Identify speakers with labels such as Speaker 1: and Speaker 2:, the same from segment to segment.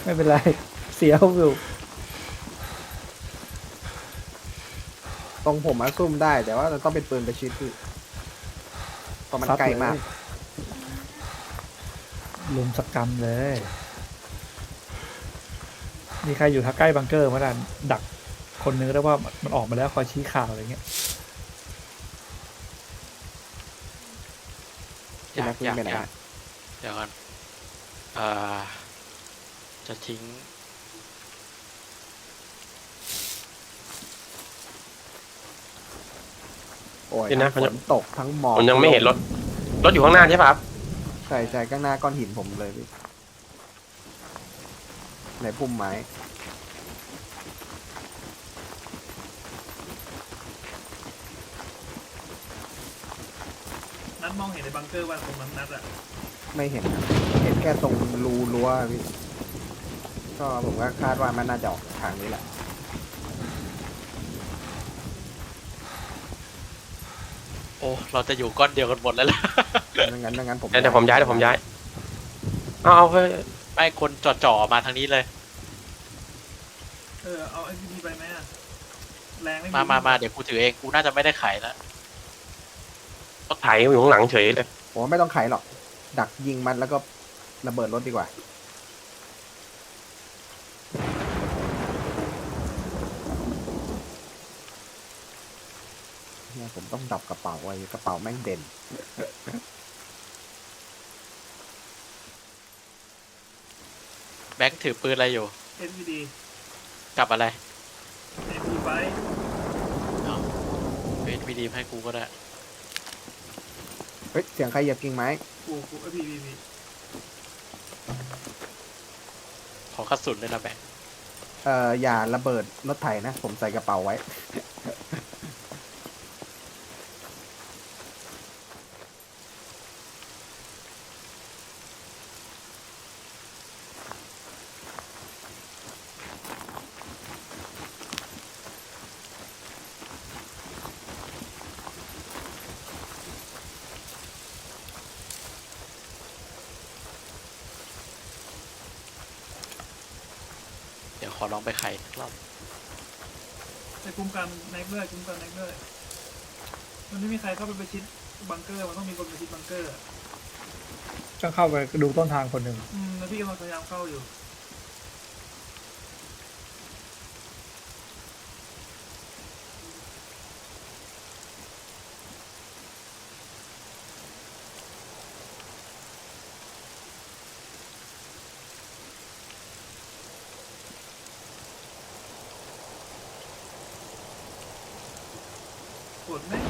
Speaker 1: ไม่เป็นไรเสียวอยู่
Speaker 2: ตรงผมมาซุ่มได้แต่ว่าเราต้องเป็นปืนประชิดพี่เพราะมันไกลมาก
Speaker 1: ลุมสกรรมเลยมีใครอยู่ทักใกล้บังเกอร์มาดักคนนึงได้ว่ามันออกมาแล้วคอยชี้ข่าวอะไรเงี้ย
Speaker 3: อยากเดี๋ยวก่อนจะทิ้ง
Speaker 2: โอ้ยทั้งฝนตกทั้งหมอก
Speaker 4: ผมยังไม่เห็นรถอยู่ข้างหน้าใช่ป่ะครับ
Speaker 2: ใช่ข้างหน้าก้อนหินผมเลยพี่ในพุ่มไม้
Speaker 5: นัดมองเห็นในบังเกอร์ว่าตรงนั้นนัดอะ
Speaker 2: ไม่เห็นครับเห็นแค่ตรงรูรั้วพี่ก็ผมก็คาดว่ามันน่าจะออกทางนี้แหละ
Speaker 3: โอ้เราจะอยู่ก้อนเดียวกันหมดแล้วล่ะ
Speaker 2: ดังนั้นผม
Speaker 4: เดี๋ยวผมย้ายเอาเฮ้ย
Speaker 3: ไม่คนจ่อมาทางนี้เลย
Speaker 5: เอาไอ้พีไปไหมอะแรงไม่
Speaker 3: มาเดี๋ยวกูถือเองกูน่าจะไม่ได้ขายแล้ว
Speaker 4: รถไถอยู่ข้างหลังเฉยเลย
Speaker 2: ผมว่าไม่ต้องไขหรอกดักยิงมันแล้วก็ระเบิดรถดีกว่าเนี่ยผมต้องดับกระเป๋าไว้กระเป๋าแม่งเด่น
Speaker 3: แบงค์ถือปืนอะไรอยู่
Speaker 5: เอ็นวีดี
Speaker 3: กับอะไร
Speaker 5: เอ็นวีไป
Speaker 3: เป็นวีดีให้กูก็ได้
Speaker 2: เฮ้ยเสียงใครเหยียบกิ่งไม้
Speaker 5: กูพี
Speaker 3: ขอกระสุนเลยนะแบงค์
Speaker 2: อย่าระเบิดรถไถนะผมใส่กระเป๋าไว้
Speaker 3: เดี๋ยวขอลองไปไขรอบ
Speaker 5: ในกลุ่มกันแน็กด้วยมันไม่มีใครเข้าไปประชิดบังเกอร์มันต้องมีคนประชิดบังเกอร์
Speaker 1: ก็เข้าไปดูต้นทางคนหนึ่ง
Speaker 5: แล้วพี่กำลังพยายามเข้าอยู่กดไหม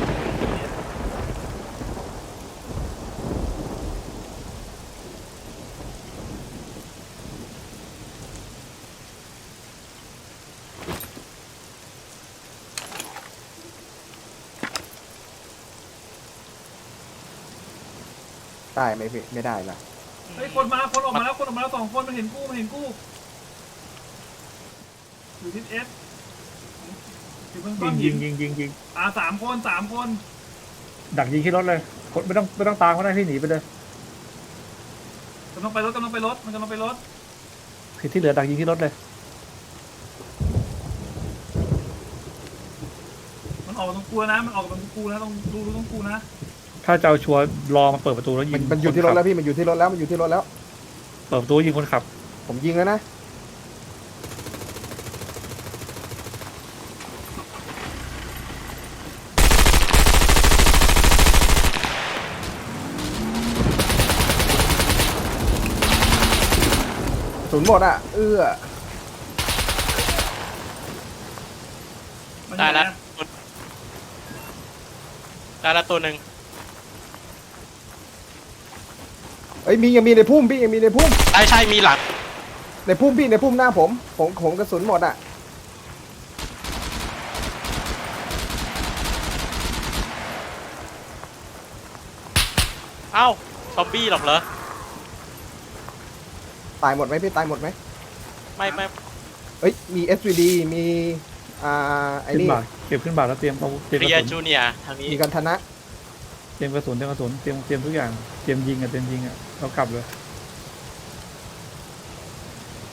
Speaker 2: ได้ไหมพี่ไม่ได้ละ
Speaker 5: เฮ้ยคนออกมาแล้ว2 คนมันเห็นกูอยู่ทิศเอสอยู่เบื้องต้นหิน
Speaker 1: ยิง
Speaker 5: 3 คน
Speaker 1: ดักยิงที่รถเลยไม่ต้องตามก็ได้ที่หนีไปเลย
Speaker 5: กำลังไปรถมันกำลังไปรถ
Speaker 1: คือที่เหลือดักยิงที่รถเลย
Speaker 5: มันออกตรงกูนะต้องดูตรงกูนะ
Speaker 1: ถ้าจะเอาชัวร์รอมาเปิดประตูแล้วยิง
Speaker 2: มันอยู่ที่รถแล้วพี่มันอยู่ที่รถแล้ว
Speaker 1: เปิดประตูยิงคนขับ
Speaker 2: ผมยิงแล้วนะศูนย์หมดอ่ะ
Speaker 3: ได้แล้วตัวหนึ่ง
Speaker 2: เอ้ยยังมีในพุ่มพี่ยังมีในพุ่ม
Speaker 3: ใช่มีหลัง
Speaker 2: ในพุ่มพี่ในพุ่มหน้าผมกระสุนหมดอ่ะ
Speaker 3: เอ้าซอมบี้หรอกเหรอ
Speaker 2: ตายหมดไหมพี่ตายหมดไหม
Speaker 3: ไม่
Speaker 2: เอ้ยมี SVD มีไอ้
Speaker 1: ขึ้น
Speaker 2: นี่
Speaker 1: บ่าเก็บขึ้นบ่าแล้วเตรียมกระ
Speaker 3: เรีย
Speaker 1: สุน
Speaker 3: จูเนียทางนี้
Speaker 2: มีกันทนะ
Speaker 1: เตรียมกระสุนเตรียมทุกอย่างเตรียมยิงเรากลับเลย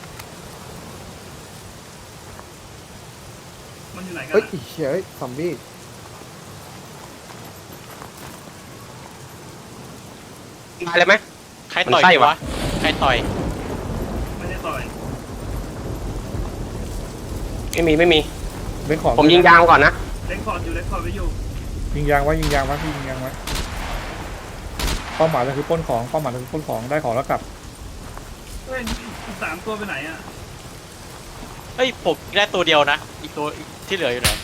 Speaker 5: มันอยู่ไหนกัน
Speaker 2: เฮ้ย
Speaker 5: อะ
Speaker 2: อีเชี่ยเฮ้ยซอมบี้
Speaker 4: ตายเลยไหม
Speaker 3: ใครต่อย
Speaker 4: มันไส้
Speaker 3: กู
Speaker 4: วะ
Speaker 3: วะใครต่อย
Speaker 5: ไม่ได้ต่อย
Speaker 4: ไม่มี
Speaker 1: เล่นของ
Speaker 4: ผมยิงยางก่อนนะ
Speaker 5: เล็กคอร์ดอยู่เล็กคอร์ดไว้อยู่
Speaker 1: ยิงยางไว้ยิงยางไว้พี่ยิงยางไว้เป้าหมายเราคือปล้นของเป้าหมายเราคือปล้นของได้ของแล้วกลับ
Speaker 5: เฮ้ยอีก3 ตัวไปไหนอ่ะ
Speaker 3: เฮ้ยผมได้ตัวเดียวนะอีกตัวที่เหลืออยู่ไหน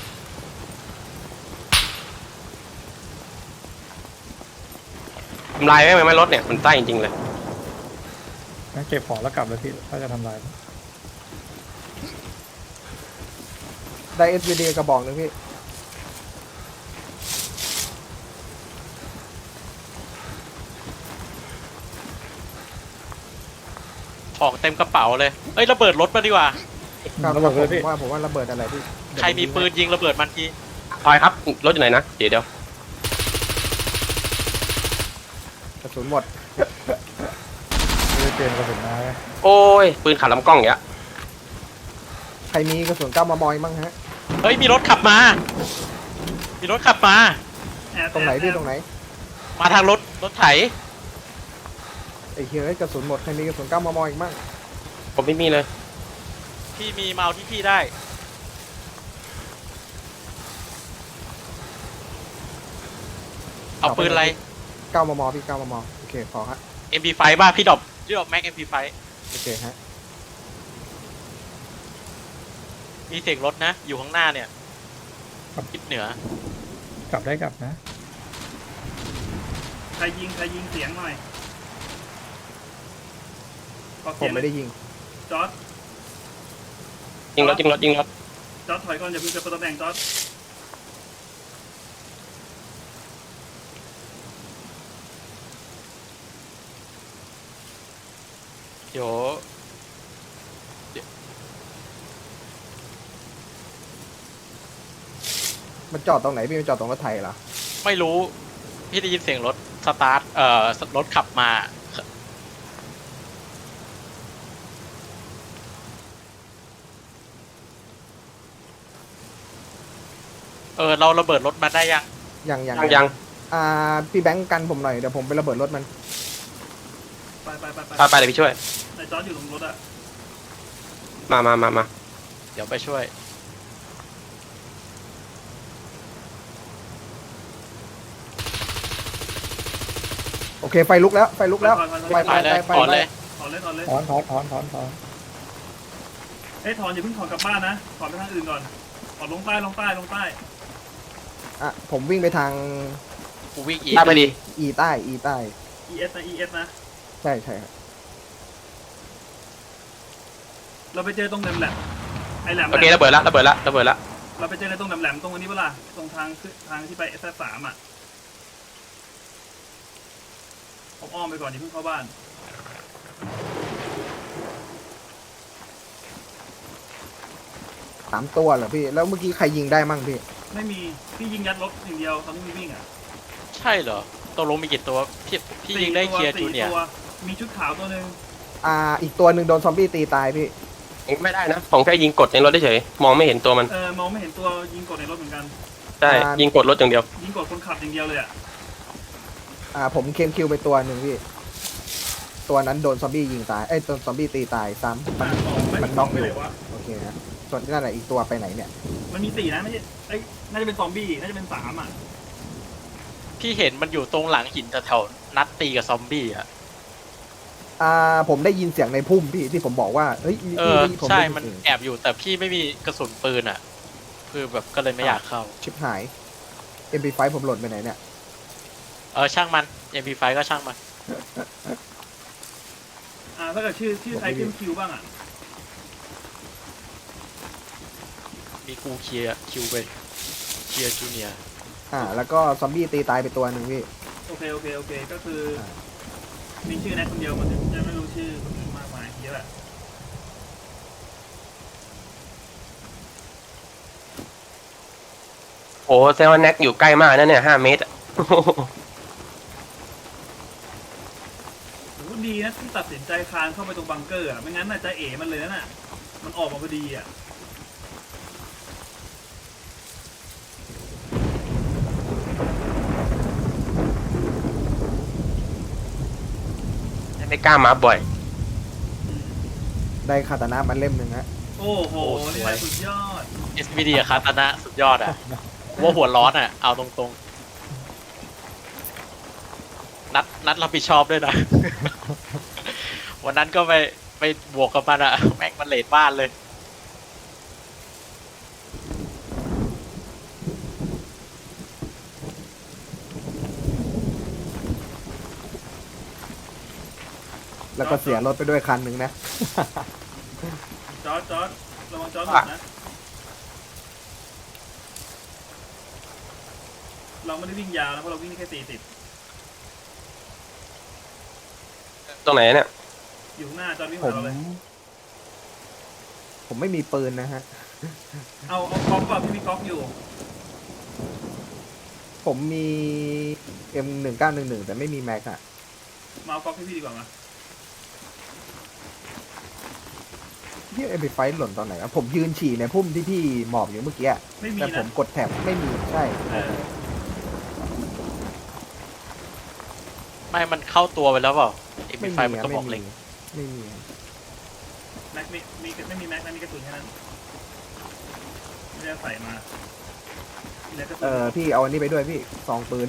Speaker 4: ทำลายไม่รถเนี่ยมันไส้จริงๆเลย
Speaker 1: งั้นเก็บของแล้วกลับเลยพี่ถ้าจะทำลาย
Speaker 2: ได้ SVD กระบอกหนึงพี่
Speaker 3: ของเต็มกระเป๋าเลยเอ้ยระเบิดรถมาดีกว่า
Speaker 2: ครับ
Speaker 1: ระเบิดเลยพี่
Speaker 2: ผมว่าระเบิดอะไรพี่เดี๋ยว
Speaker 3: ใครมีปืนยิงระเบิดมันที
Speaker 4: ทอยครับรถอยู่ไหนนะเดี๋ยว
Speaker 2: กระสุนหมด
Speaker 1: ไม่ได้เตรียมกระสุนมาไง
Speaker 4: โอ้ยปืนขัดลำกล้องอย่างเงี้ย
Speaker 2: ใครมีกระสุน9 มมมั้งฮะ
Speaker 3: เฮ้ยมีรถขับมามีรถขับมา
Speaker 5: แอบ
Speaker 2: ตรงไหนพี่
Speaker 5: แอบ
Speaker 2: ตรงไหน
Speaker 3: มาทางรถไถ
Speaker 2: ไอ้เฮียเอ้ยกระสุนหมดใครมีกระสุน9 มมอีกมั้ง
Speaker 4: ผมไม่มีเลย
Speaker 3: พี่มีเมาที่พี่ได้เอาปืนอะไร
Speaker 2: 9 มมพี่9 มมโอเคพอฮะ
Speaker 3: MP5 บ้าพี่ดรอปแม็ก MP5
Speaker 2: โอเคฮะ
Speaker 3: มีเสียงรถนะ อยู่ข้างหน้าเนี่ยทิศเหนือก
Speaker 1: ลับได้กลับนะ
Speaker 5: ใครยิงเสียงหน่อยขอ
Speaker 2: ผ
Speaker 5: เสีย
Speaker 2: ม
Speaker 5: ง
Speaker 2: ไม่ได้ยิง
Speaker 5: จอร์ด
Speaker 4: ยิงรถ
Speaker 5: จอร์ดถอยก่อนอย่าเพิ่งจะเปิดตำแหน่งจอร์ด
Speaker 3: เดี๋ยว
Speaker 2: มันจอดตรงไหนพี่มันจอดตรงรถไถเหรอ
Speaker 3: ไม่รู้พี่ได้ยินเสียงรถสตาร์ทรถขับมาเราระเบิดรถมาได้ยัง
Speaker 2: ยัง พี่แบงค์กันผมหน่อยเดี๋ยวผมไประเบิดรถมัน
Speaker 5: ไป
Speaker 4: ไปเดี๋ยวพี่ช่วย
Speaker 5: ไอ้จอร์ดอยู่ตรงรถอ่ะ
Speaker 4: มา
Speaker 3: เดี๋ยวไปช่วย
Speaker 2: โอเคไฟลุกแล้วไฟลุกแล้ว
Speaker 5: ถอย
Speaker 3: ไปเลยถอนเลย
Speaker 5: ถอนเลย
Speaker 1: ถอน
Speaker 5: เอ้ยถอนอย่าเพิ่งถอนกลับบ้านนะถอนไปทางอื่นก่อนถอนลงใต้
Speaker 2: อ่ะผมวิ่งไปทาง
Speaker 3: กูวิ่งอีก
Speaker 4: ได้ไปดี
Speaker 2: อีใต้
Speaker 5: ES นะ ES นะ
Speaker 2: ใช่ครับ
Speaker 5: เราไปเจอตรงแหลมไอ้แหลม
Speaker 4: โอเคระเบิดละ
Speaker 5: เราไปเจอในตรงแหลมตรงอันนี้เปล่าตรงทางที่ไป S3 อ่ะผมอ้อมไปก่อนอย่าเพิ่งเข้าบ้าน
Speaker 2: 3 ตัวเหรอพี่แล้วเมื่อกี้ใครยิงได้มั่งพี่
Speaker 5: ไม่มีพี่ยิงยัดรถอย่างเดียวตอนนี้มีวิ่งอ่ะ
Speaker 3: ใช่เหรอตกลงมีกี่ตัวพี่ยิงได้เคลียร์จูเนียร์
Speaker 5: 4 ตัวมีชุดขาวตัวหนึ่ง
Speaker 2: อีกตัวหนึ่งโดนซอมบี้ตีตายพี่
Speaker 4: ไม่ได้นะผมแค่ยิงกดในรถเฉยมองไม่เห็นตัวมัน
Speaker 5: มองไม่เห็นตัวยิงกดในรถเหมือนกัน
Speaker 4: ใช่ยิงกดรถอย่างเดียว
Speaker 5: ยิงกดคนขับอย่างเดียวเลยอ่ะ
Speaker 2: ผมเคมคิวไปตัวหนึ่งพี่ตัวนั้นโดนซอมบี้ยิงตายโดนซอมบี้ตีตายซ้ำมันน็อก
Speaker 5: ไป
Speaker 2: อ
Speaker 5: ไหน
Speaker 2: ยู่
Speaker 5: วะ
Speaker 2: โอเคนะส่วนนั่นแหละอีกตัวไปไหนเนี่ย
Speaker 5: มันมี4นะไม่ใช่น่าจะเป็นซอมบี้น่าจะเป็น3อ่ะ
Speaker 3: พี่เห็นมันอยู่ตรงหลังหินแถวๆนัดตีกับซอมบี้อ่ะ
Speaker 2: ผมได้ยินเสียงในพุ่มพี่ที่ผมบอกว่าเฮ้ยผม
Speaker 3: ใช่
Speaker 2: ได้ยิ
Speaker 3: มัน
Speaker 2: เสียง
Speaker 3: แอบอยู่แต่พี่ไม่มีกระสุนปืนอ่ะคือแบบก็เลยไม่อยากเข้า
Speaker 2: ชิบหาย MP5 ผมหล่นไปไหนเนี่ย
Speaker 3: ช่างมัน MP5 ก็ช่างมัน
Speaker 5: ถ้าเกิดชื่อใครขึ้นคิวบ้างอ่ะ
Speaker 3: มีกูเคลียร์คิวไปเคลียร์จูเนียร์
Speaker 2: แล้วก็ซอมบี้ตีตายไปตัวหนึ่งพี่
Speaker 5: โอเคก็คือมีชื่อแนทคนเดียวมันจะไม่รู้ชื่อคนอื่นมากมายเยอะแหละ
Speaker 4: โอ้เซลล์แน็กอยู่ใกล้มากนะเนี่ย5 เมตร
Speaker 5: โหดีนะที่ตัดสินใจคลานเข้าไปตรงบังเกอร์อ่ะไม่งั้นน่าจะเอ๋มันเลยน่ะมันออกมาพอดีอ่ะ
Speaker 4: ได้กล้ามาบ่อย
Speaker 2: ได้คาตานะมันเล่มหนึ่งฮะ
Speaker 5: โอ้โหนี่แหละสุดยอด
Speaker 3: SVD อะคาตานะสุดยอดอะว่าหัวร้อนอะเอาตรงๆ นัดรับผิดชอบด้วยนะ วันนั้นก็ไปบวกกับมันอะแม่งมันเลทบ้านเลย
Speaker 2: แล้วก็เสียรถไปด้วยคันหนึ่งนะ
Speaker 5: จอร์จระวังจอร์จหลุดนะเราไม่ได้วิ่งยาวนะเพราะเราวิ่งได้แค่40
Speaker 4: ตรงไหนเนี่ย
Speaker 5: อยู่ข้างหน้าจอร์จวิ่ง
Speaker 2: ผ
Speaker 5: มาม เราเลย
Speaker 2: ผมไม่มีปืนนะฮะ
Speaker 5: เอาก๊อกก่อนพี่มีก๊อกอยู่
Speaker 2: ผมมี M1911 แต่ไม่มีแม็กอะ
Speaker 5: มาเอาก๊อกให้พี่ดีกว่ามา
Speaker 2: ที่เอ็มพีไฟหล่นตอนไหนวะผมยืนฉี่ในพุ่มที่พี่หมอบอยู่เมื่อกี้อะ
Speaker 5: ไม่มี
Speaker 2: แต่ผ
Speaker 5: นะ
Speaker 2: มกดแท็บไม่มีใช่
Speaker 5: เออ
Speaker 3: ไม่มันเข้าตัวไปแล้วเปล่าไอ้
Speaker 2: ไม่
Speaker 3: ไฟ
Speaker 2: มี
Speaker 3: มัน
Speaker 2: อะ
Speaker 3: ก็บ
Speaker 2: ไม่
Speaker 3: อกเล็
Speaker 2: มี
Speaker 3: ง
Speaker 2: ไม่มี
Speaker 5: แม็กไม่มีแม็กนะมีกระสุนแค่นั้นไม่ได้ใส่มามีแต่กระสุน
Speaker 2: พี่เอาอันนี้ไปด้วยพี่ซองปืน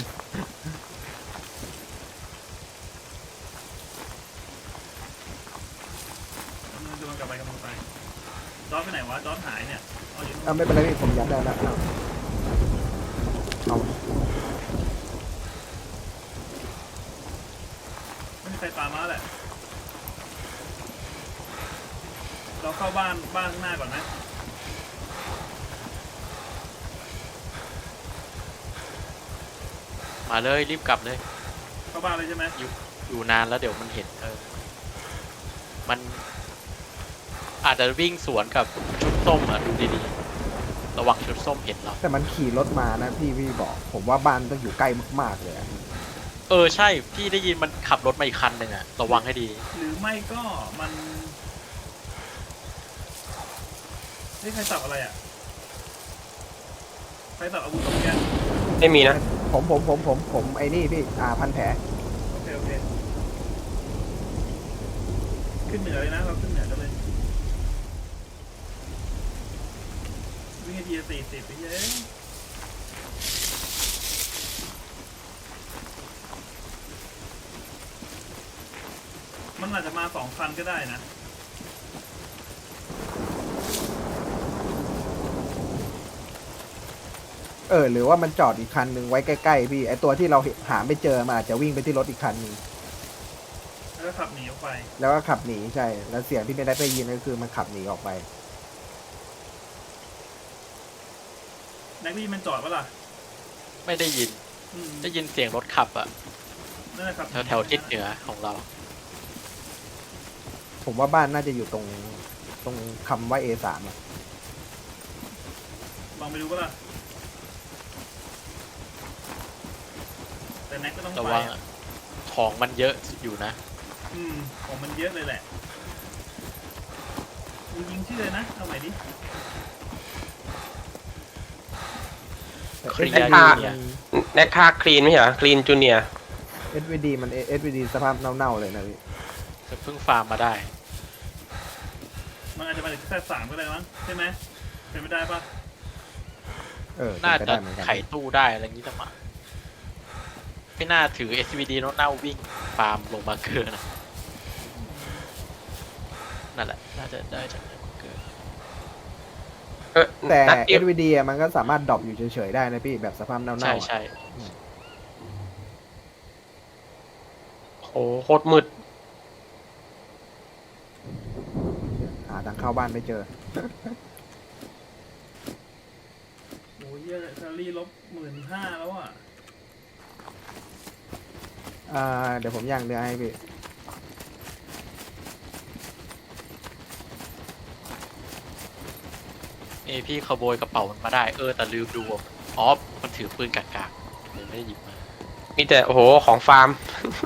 Speaker 5: มันจะมันกลับไปจอร์จไปไหนวะจอร์จหายเนี่ยเอาอยู่นู่น
Speaker 2: ไม่เป็นไรพี่ผมยัดได้แล้วเอา
Speaker 5: ไม่มีใครตามมาแหละเราเข้าบ้านข้างหน้าก่อนไหม
Speaker 3: มาเลยรีบกลับเลย
Speaker 5: เข้าบ้านเลยใช่ไหม
Speaker 3: อยู่นานแล้วเดี๋ยวมันเห็นมันอาจจะวิ่งสวนกับชุดส้มอ่ะดูดีๆระวังชุดส้มเห็นเรา
Speaker 2: แต่มันขี่รถมานะพี่บอก ผมว่าบ้านต้องอยู่ใกล้มากๆเลยอะ
Speaker 3: ใช่พี่ได้ยินมันขับรถมาอีกคันหนึ่งอ่ะระวังให้ดี
Speaker 5: หรือไม่ก็มันนี่ใครสับอะไรอ่ะใครสับอาวุธตรงเนี้ย
Speaker 4: ไม่มีนะ
Speaker 2: ผมไอ้นี่พี่พันแผล
Speaker 5: โอเคขึ้นเหนือเลยนะเราขึ้นเหนือกันเลยวิ่งให้ทีละ40ไปเย้มันอาจจะมา2 คันก็ได้นะ
Speaker 2: หรือว่ามันจอดอีกคันหนึ่งไว้ใกล้ๆพี่ไอตัวที่เราหาไม่เจอมันอาจจะวิ่งไปที่รถอีกคันหนึ่ง
Speaker 5: แล้วก็ขับหนีออกไป
Speaker 2: แล้วก็ขับหนีใช่ แล้วเสียงที่ไม่ได้ยินก็คือมันขับหนีออกไป
Speaker 5: แม็กวี่มันจอดปะล่ะ
Speaker 3: ไม่ได้ยิน
Speaker 5: อืม
Speaker 3: ได้ยินเสียงรถขับอ่ะ
Speaker 5: นั่นแหละครับ
Speaker 3: แถวทิศเหนือของเรา
Speaker 2: ผมว่าบ้านน่าจะอยู่ตรงคำว่า A3 อะ
Speaker 5: ลองไปดูปะล่ะแต่แม็กก็ต้อง
Speaker 3: ระ
Speaker 5: ไป
Speaker 3: วัง
Speaker 5: อะ
Speaker 3: อะของมันเยอะอยู่นะ
Speaker 5: ของมันเยอะเลยแหละมึงยิงชื่อเลยนะเอาใหม่ดิ
Speaker 2: แต่
Speaker 3: เคลียร์
Speaker 2: SVD
Speaker 3: เนี่ย
Speaker 4: แนคค่าคลีนไม่ใช่เหรอคลีนจูเนีย
Speaker 2: SVD มัน SVD สภาพเน่าๆเลยนะพี่
Speaker 3: จะเพิ่งฟาร์มมาได้
Speaker 5: มันอาจจะมาจากแค่3ก็ได้มั้งใช่ไหมเป็นไม่ได้ปะ
Speaker 3: น่า
Speaker 2: เป็นไป
Speaker 3: จะ
Speaker 2: ได้เหมือนกัน
Speaker 3: ไขตู้ได้อะไรอย่างนี้จะมาไม่น่าถือ SVD โน้ตเน่าวิ่งฟาร์มลงมาเกินนะนั่นแหละน่าจะได้จากบังเกิน
Speaker 2: แต่
Speaker 4: นัดเดียว
Speaker 2: SVD อะมันก็สามารถดรอปอยู่เฉยๆได้นะพี่แบบสภาพเน่าๆ
Speaker 3: ใช่
Speaker 2: อะ
Speaker 3: ใช่
Speaker 4: โอ้โคตรมืด
Speaker 2: หาทางเข้าบ้านไม่เจอ
Speaker 5: โอ้ยเหี้ยแคลอรี่ลบ15,000แล้วอ่ะ
Speaker 2: เดี๋ยวผมย่างเนื้อให้พี่
Speaker 3: พี่ขโมยกระเป๋ามันมาได้ แต่ลืมดูอะอ๋อมันถือปืนกากๆเลยไม่ได้หยิบมา
Speaker 4: มีแต่โอ้โหของฟาร์ม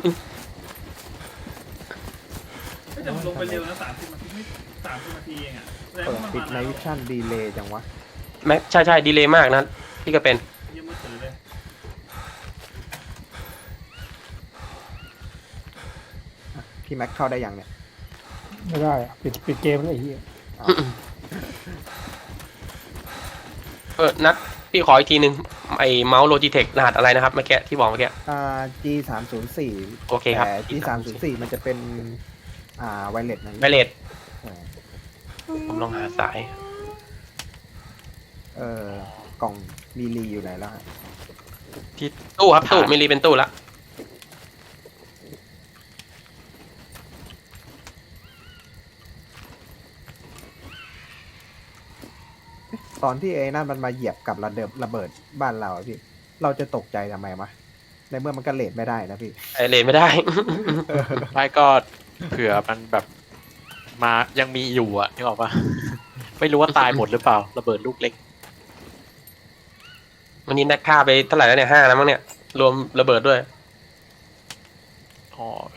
Speaker 5: แต่มันลงไปเร็วนะ30 นาทีไม่30 นาทีเองอ่ะแสดง
Speaker 2: เปิด
Speaker 5: ว่ามัน
Speaker 2: ปิด
Speaker 5: มา
Speaker 2: ไน
Speaker 5: นาน
Speaker 2: วิชั่นดีเลย์จังวะ
Speaker 4: แม็กใช่ดีเลยมากนะพี่ก็เป็น
Speaker 5: เยี่ยมมือถือเลย
Speaker 2: จพี่แม็กเข้าได้ยังเนี่ย
Speaker 1: ไม่ได้อะปิดเกมแล้วไอ้เหี้ย
Speaker 4: นัดพี่ขออีกทีนึงไอ้เมาส์โลจิเทครหัสอะไรนะครับเมื่อกี้ที่บอกเมื่อกี้
Speaker 2: G304
Speaker 4: โอเคครับ
Speaker 2: แต่ G304 มันจะเป็นไวเลสนะ
Speaker 4: ไวเลส
Speaker 2: ใช่
Speaker 4: ผมลองหาสาย
Speaker 2: กล่องมีรีอยู่ไหนแล้วฮะ
Speaker 4: ตู้ครับตู้ไม่รีเป็นตู้ละ
Speaker 2: ตอนที่ไอ้นั่นมันมาเหยียบกับระเบิดบ้านเราอะพี่ เราจะตกใจทำไมมะในเมื่อมันก็เลทไม่ได้นะพี่
Speaker 4: ไอเลนไม่ได้
Speaker 3: ไม่ก็เผื่อมันแบบมายังมีอยู่อะนึกออกปะ ไม่รู้ว่าตายหมดหรือเปล่า ระเบิดลูกเล็ก
Speaker 4: วันนี้นักฆ่าไปเท่าไหร่แล้วเนี่ย5แล้วมั้งเนี่ยรวมระเบิดด้วย
Speaker 3: อ๋อ